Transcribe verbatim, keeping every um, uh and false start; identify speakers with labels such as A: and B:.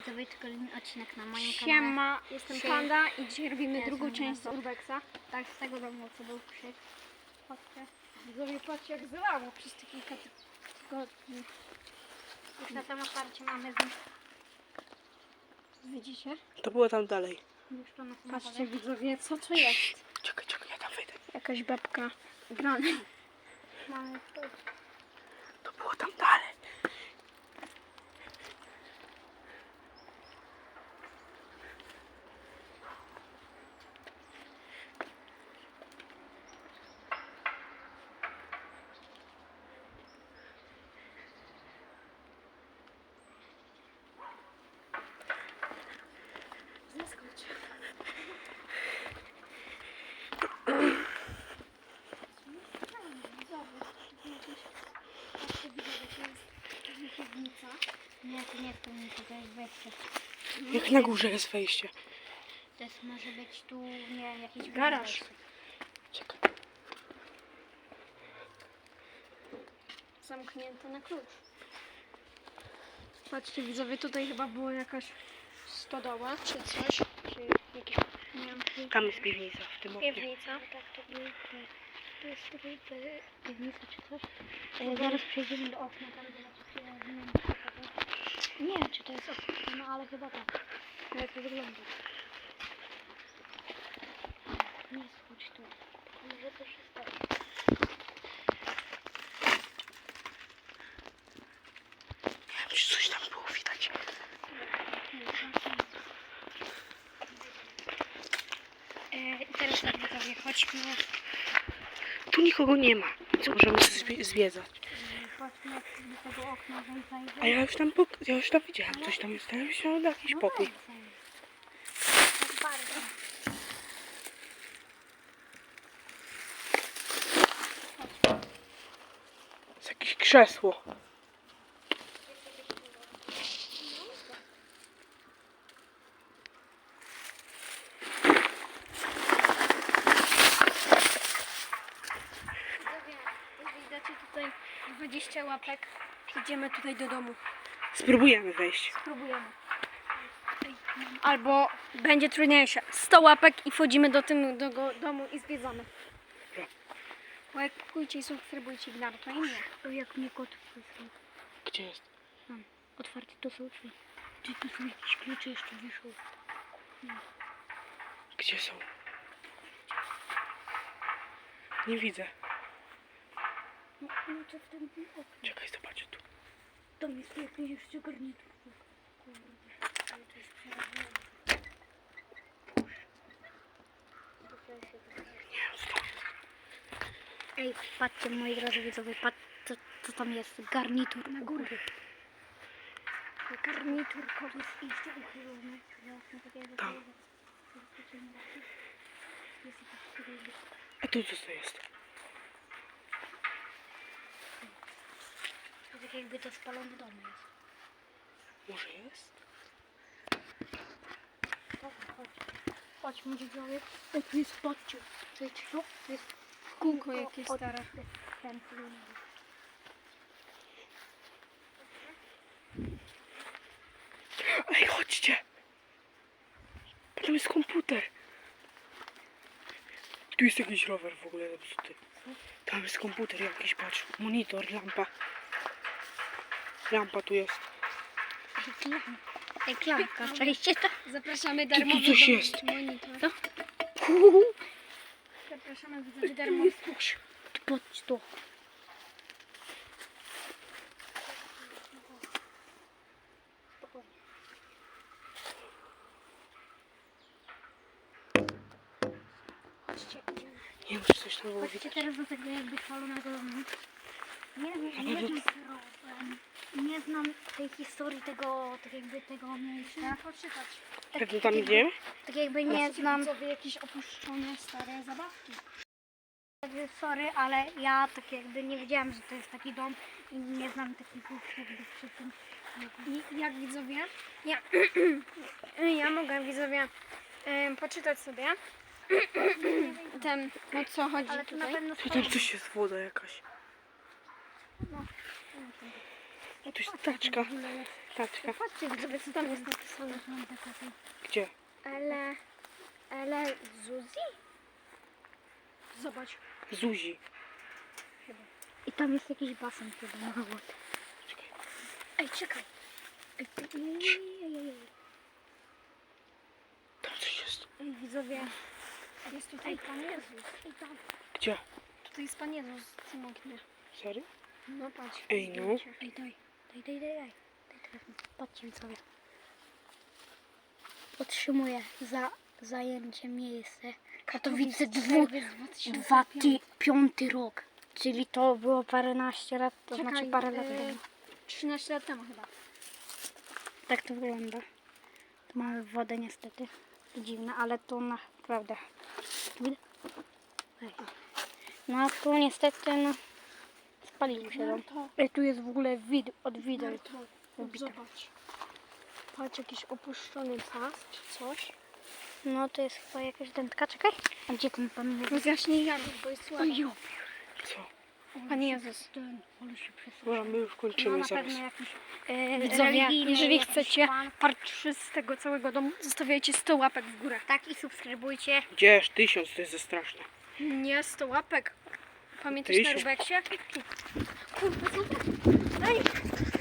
A: widzowie, to kolejny odcinek na moim kanale.
B: Siema, jestem
A: Przy-
B: Panda i dzisiaj robimy
A: Ja
B: drugą
A: jestem
B: część z
A: Panda.
B: Urbexa.
A: Tak, z tego domu, co był krzyk.
B: Patrzcie, widzowie, patrzcie jak zalało przez te kilka ty- tygodni.
A: Już na tym otwarcie mamy z nich.
B: Widzicie?
C: To było tam dalej.
A: Już to na tym
B: Patrzcie widzowie, co to jest?
C: Czekaj, czekaj, ja tam wejdę.
B: Jakaś babka grana.
A: mamy tu.
C: To było tam dalej.
B: Zaskocz.
A: Nie, to nie jest piwnica, to jest wejście.
C: Jak na górze jest wejście.
A: To jest, może być tu, nie, jakiś
B: Garaż.
A: wejście.
C: Czekaj.
B: Zamknięte na klucz. Patrzcie widzowie, tutaj chyba była jakaś stodoła czy coś. Czy jakiś, nie wiem,
C: Tam jest piwnica w tym oknie.
B: piwnica.
A: Tak, to był, to jest tutaj pi- piwnica czy coś. E, zaraz przejdziemy do okna, tam zobaczycie, nie wiem, czy to- nie wiem, czy to jest okno, no ale chyba tak.
B: Jak to wygląda?
A: Nie schodź tu. Może to się stać.
C: Nie wiem, czy coś tam było widać.
A: E, I teraz tak widzowie, chodźmy,
C: Tu nikogo nie ma, więc możemy zwie- zwiedzać.
A: chodźmy do tego okna, żeby zajrzeć.
C: A ja już tam, pok- ja już tam widziałem, coś tam jest, tam się jakiś pokój.
A: Tak bardzo.
C: Jest jakieś krzesło.
B: Widzowie, jeżeli dacie tutaj dwadzieścia łapek, idziemy tutaj do domu.
C: Spróbujemy wejść.
B: Spróbujemy. Albo będzie trudniejsze. sto łapek i wchodzimy do tym do go, domu i zwiedzamy.
C: Dobra.
B: Łajkujcie i subskrybujcie Gnar, to i mnie.
A: O, jak mnie kot wysłał.
C: Gdzie jest?
A: Otwarte to są drzwi. Czy tu są jakieś klucze jeszcze wiszą?
C: Gdzie są? Nie widzę.
A: No, klucze w tym oknie.
C: Czekaj, zobaczę tu.
A: Tam jest jakiś jeszcze garnitur. Kurde, ale to jest przerażające.
C: Nie wiem, co tam jest.
A: Ej, patrzcie moi drodzy widzowie, patrzcie co, co tam jest. Garnitur na górę.
B: Garnitur kogoś.
A: Jest jeszcze uchylony. Zobaczmy takiego.
C: Tam.
A: Jest jakiś kierownik.
C: A tu co to jest?
A: To tak jakby to spalony dom jest.
C: Może jest?
A: Dobra, chodź.
B: Chodźmy widzowie.
A: Ej, tu jest, patrzcie. To jest co? To jest
B: Kółko jakieś
A: od-
B: stare.
A: Ten film.
C: Ej, chodźcie! Tam jest komputer. Tu jest jakiś rower w ogóle zepsuty. Tam jest komputer jakiś, patrz. Monitor, lampa. Lampa tu jest.
A: Ej, klamka. Ej, klamka. Czajcie to?
B: Zapraszamy
C: tu
B: darmowy
C: coś
B: do-
C: jest.
B: monitor.
A: Co?
B: Zapraszamy widzowie darmowy.
A: Patrz to.
B: Chodźcie, idziemy.
C: Nie wiem, czy coś tam było
A: Chodźcie
C: widać.
A: teraz do tego jakby spalonego domu. Nie wiem,
C: Ale
A: nie
C: to-
A: wiem, problem. Nie znam tej historii tego, tak jakby tego miejsca.
B: Trzeba poczytać.
C: Pewnie tam idziemy?
A: Tak jakby nie znam.
B: Widzowie jakieś opuszczone stare zabawki.
A: Sorry, ale ja tak jakby nie wiedziałam, że to jest taki dom i nie znam takich rzeczy jakby przy tym.
B: I jak widzowie? Ja, ja mogę widzowie em, poczytać sobie ten, o co chodzi
A: Ale to na
B: tutaj.
A: pewno
C: Tu tam coś jest, woda jakaś.
A: No.
C: O, tu jest taczka. Taczka.
B: Patrzcie, widzowie, co tam jest napisane.
C: Gdzie?
B: Ele... Ele... Zuzi? Zobacz.
C: Zuzi.
A: I tam jest jakiś basen chyba mały.
C: Czekaj.
B: Ej, czekaj.
A: Ej, ej, ej, ej.
C: Tam coś jest.
B: Ej, widzowie. Jest tutaj Pan Jezus. Ej, tam.
C: Gdzie?
B: Tutaj jest Pan Jezus, Cymoknie.
C: Serio?
B: No patrz.
C: Ej, no.
B: zdjęcie.
A: Ej, daj, daj, daj, daj, daj. Daj telefon. Patrzcie widzowie. Otrzymuję za zajęcie miejsce. Katowice dwu, dwa ty, piąty rok. Czyli to było paręnaście lat, to
B: Czekaj,
A: znaczy parę lat
B: e,
A: temu.
B: trzynaście lat temu chyba.
A: Tak to wygląda. Tu mamy wodę niestety. Dziwne, ale tu naprawdę. Widać? Ej. No a tu niestety no spalił się dom.
B: to.
A: Ej, tu jest w ogóle wid od wideł.
B: Zobacz. Patrz, jakiś opuszczony pas czy coś.
A: No to jest chyba jakaś dętka. Czekaj. A gdzie ten pan jest?
B: Rozjaśnij Janusz, bo jest słabo.
A: Oj,
C: Co?
B: Pan Jezus.
A: ten, ale się przesunął.
C: Dobra, my już
A: No
C: kończymy
A: na
C: zaraz.
A: pewno jakiś e,
B: Widzowie,
A: religijny
B: jeżeli
A: jakiś
B: chcecie
A: pan.
B: part trzy z tego całego domu, zostawiajcie sto łapek w górę.
A: Tak i subskrybujcie.
C: Gdzież? Tysiąc, to jest za straszne.
B: Nie, sto łapek. Pamiętasz na
C: Tysiąc.
B: Rubeksie? Kurde, zobacz. Ej,